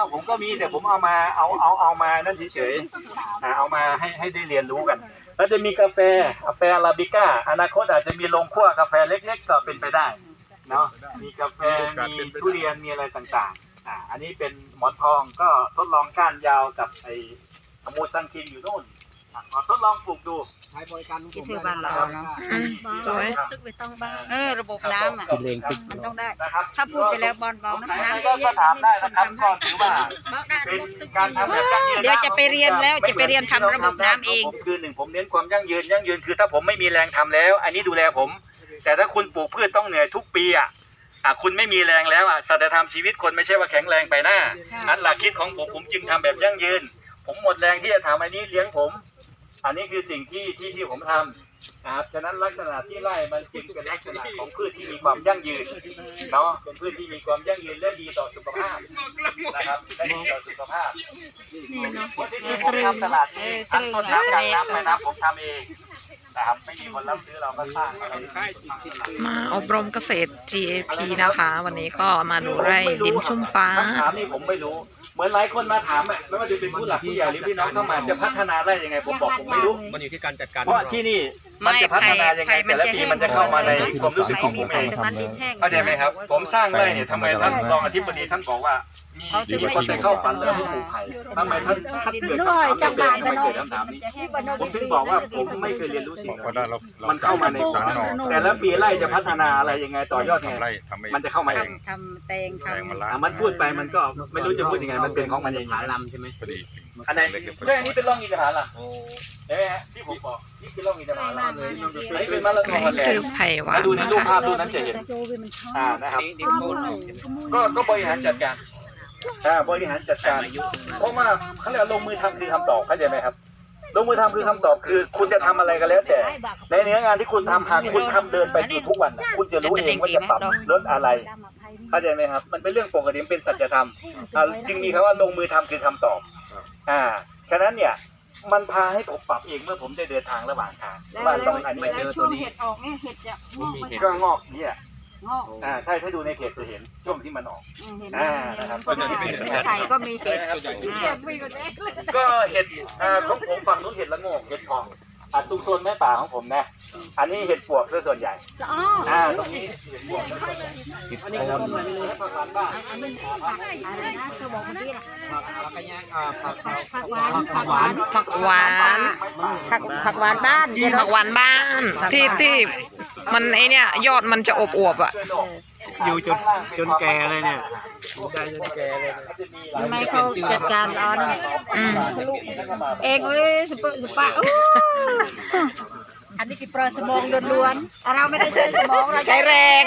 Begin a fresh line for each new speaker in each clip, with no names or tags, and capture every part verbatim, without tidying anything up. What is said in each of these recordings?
ผมก็มีแต่ผมเอามาเอาเอาเอามานั่นเฉยๆเอามาให้ให้ได้เรียนรู้กันแล้วจะมีกาแฟกาแฟอาราบิก้าอนาคตอาจจะมีโรงคั่วกาแฟเล็กๆก็เป็นไปได้เนาะมีกาแฟมีทุเรียนมีอะไรต่างๆอ่าอันนี้เป็นหมอนทองก็ทดลองก้านยาวกับไอ้ขมูซังคินอยู่นู่นขอทดลองปลูกดูใช้บริการที่ซื้อบ้านเราเนาะ
สวย
เออระบบน้ำอ่ะมันต้องได้
นะครับ
ถ้าพูดไปแล้วบอลบอลน้ำน้ำ
ก็ก็ถามได้นะครับก็ถือว่าเป็นการทำแบบยั่งยืน
เดี๋ยวจะไปเรียนแล้วจะไปเรียนทำระบบน้ำเอง
คือหนึ่งผมเน้นความยั่งยืนยั่งยืนคือถ้าผมไม่มีแรงทำแล้ว อันนี้ดูแลผม แต่ถ้าคุณปลูกพืชต้องเหนื่อยทุกปีอ่ะอ่ะคุณไม่มีแรงแล้วอ่ะสัจธรรมชีวิตคนไม่ใช่ว่าแข็งแรงไปหน้าอันหลักคิดของผมผมจึงทำแบบยั่งยืน ผมหมดแรงที่จะทำอันนี้เลี้ยงผม อันนี้คือสิ่งที่ที่ที่ผมทำนะครับฉะนั้นลักษณะที่ไร่มันจึงเป็นลักษณะของพืชที่มีความยั่งยืนเนาะเป็นพืชที่มีความยั่งยืนและดีต่อสุขภาพนะครับและดีต่อสุขภาพวันที่ผมทำตลาดเองทั้งต้นน้ำกลางน้ำแม่น้ำผมทำเองนะครับไม่มีคนรับซื้อเราก็สร้างอะไร
มาอบรมเกษตร จี เอ พี นะคะ วันนี้ก็มาดูไร่ดินชุ่มฟ้า
คำถามนี้ผมไม่รู้เหมือนหลายคนมาถามอ่ะไม่ว่าจะเป็นผู้หลักผู้ใหญ่หรือพี่น้องเข้ามาจะพัฒนาได้ยังไงผมบอกผมไม่รู้
มันอยู่ที่การจัดการ
เพราะที่นี่มันจะพัฒนายังไงแต่ละปีมันจะเข้ามาในความรู้สึกของผมเองเข้าใจไหมครับผมสร้างไร่เนี่ยทำไมท่านรองอธิบดีท่านบอกว่ามีมีคนไปเข้าฝันเลยให้ปลูกไผ่ทำไมท่านท่านเกิดคำถามไม่เกิดทำไมเกิดคำถามนี้ผมถึงบอกว่าผมไม่เคยเรียนรู้สิ่งนี้มันเข้ามาในฝันแต่ละปีไร่จะพัฒนาอะไรยังไงต่อยอดไงมันจะเข้ามาเอง
ทำแตงทำ
มันพูดไปมันก็ไม่รู้จะพูดยังไงมันเป็นของมันเองหาลำใช่ไหมอันไหนเรื่องนี้เป็นร่องอินทผลัมใช่ไหมฮะที่ผมบอกนี่คือร่องอินทผลัมเลยอันนี้เป็นมะละกอ
นี่
แด
คื
ง
อไผ่หวาน
ดูในรูปภาพรูปนั้นจะเห็นอ่านะครับก็ก็บริหารจัดการอ่าบริหารจัดการเพราะว่าเขาเรียกลงมือทำคือคำตอบเข้าใจไหมครับลงมือทำคือคำตอบคือคุณจะทำอะไรก็แล้วแต่ในเนื้องานที่คุณทำหากคุณทำเดินไปทุกวันคุณจะรู้เองว่าจะปรับลดอะไรเข้าใจไหมครับมันเป็นเรื่องปกติเป็นสัจธรรมจึงมีคำว่าลงมือทำคือคำตอบอ่าฉะนั้นเนี่ยมันพาให้ผมปรับเองเมื่อผมได้เดินทางระหว่างทางว่าต้องอันนี้เจอตัวนี้
เห็ดออกเนี่ยเห็ดจะงอก
ก็งอกเนี่ย
งอก
อ่าใช่ถ้าดูในเพจจะเห็นช่วงที่มันออก
เห็น
อ่านะครับก็จะเป็น
ไข่ก็มีเห็ด
ก็เห็ดอ่าของผมฝั่งนู้นเห็ดละโงกเห็ดทองอ่าซุกซนแม่ป่าของผมนะอันนี้เห็ดปวกซะส่วนใหญ่อ่าตรงนี้เห็ดปวกอันนี้ครับผักหวานบ้าน
อะไรนะเธอบอกเมื่อกี้น่ะ
ผักหวานผักหวาน
ผักหวาน
ผักผักหวานบ้าน
ผักหวานบ้านที่ที่มันไอเนี่ยยอดมันจะอบอวบๆอ่ะ
อยู่จนจนแก่เลยเนี่ยได้จนแก่เลย
ทำไมเขาจัดการตอน
อืม
เองเว้ยสปะสปะอันนี้คือปลาสมองล้วนๆเราไม่ได้ใช้สมองเรา
ใช้แรง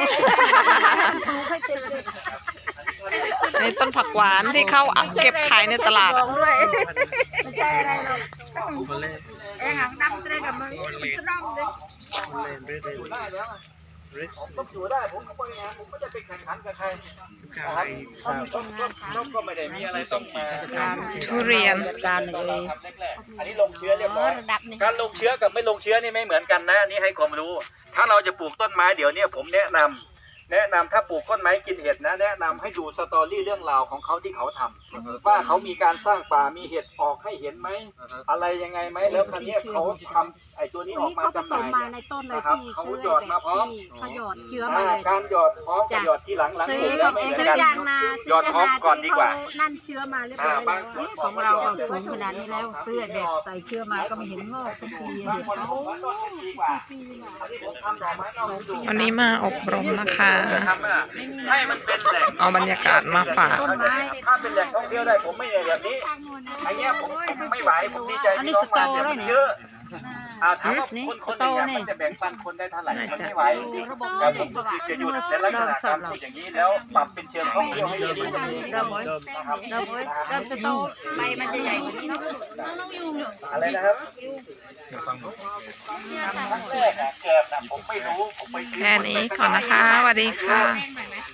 ในต้นผักหวานที่เขาเก็บขายในตลาดอะ
ด้วยไม่ใช่อะไรหรอกเองหางดำเตะกับมึงสนองเลย
อยู่ได้แล้วผมต้องอยู่ได้ผมก็บริหารผมไม่ได้ไปแข่งขันกับใครนะครับก็ไม่ได้มีอะไรต้องมา
ทุเรียน
จัดการเลย
อันนี้ลงเชื้อเรียบร้อย
ระดับนี้
การลงเชื้อกับไม่ลงเชื้อนี่ไม่เหมือนกันนะนี่ให้ความรู้ ถ้าเราจะปลูกต้นไม้เดี๋ยวนี้ผมแนะนำแนะนำถ้าปลูกต้นไม้กินเห็ดนะแนะนำให้ดูสตอรี่เรื่องราวของเขาที่เขาทำว่าเขามีการสร้างป่ามีเห็ดออกให้เห็นไหมอะไรยังไงไหมแล้วครั้นี้เขาทำไอ้ตัวนี้ออกมาจำหน่าย
มาในต้นเลย
นะครับ
ที่
เขาหยอดมาพร้อม
เขาหยอดเชื้อมาเลย
การหยอดพร้อมกับหยอดที่หลังหลัง
ซื้
ปลู
อก
แล้วไม่เหมือน
ซื้อ
กัน
ยางนา
หยอดพร้อมก่อนดีกว่า
นั่นเชื้อมาเรียบร้อยแล้ว
ของเราก็สูงขนาดนี้แล้วเสื้อแบบใส่เชื้อมาก็ไม่เห็นงอกทุกที
บางคนบอกว่าต้นดีกว่าอันนี้ผมทำดอกไม้นอกฤดู
วันนี้มาอบรมนะคะ
ทำอะให้มันเป็นแหล่ง
เอาบรรยากาศมาฝาก
ถ้าเป็นแหล่งท่องเที่ยวได้ผมไม่อย่างแบบนี้อันเนี้ยผมผมไม่ไหวผมดีใจที่น้องมาแต่มันเยอะอ่าถามว่าคนคนหนึ่งอะมันจะแบ่งปันคนได้เท่าไหร่มันไม่ไหวแต่ผมก็คือจะหยุดในลักษณะการพูดอย่างนี้แล้วปรับเป็นเชิงท่องเที่ยวให้เยอะขึ้น
เราโวยเราโวยเราจะโตใบมันจะใหญ่กว่านี้เนาะ
อะไรนะครับครั้งแรกอะแกบนะผมไม่รู้ผมไปซื้อ
แค่นี้ก่อนนะคะสวัสดีค่ะ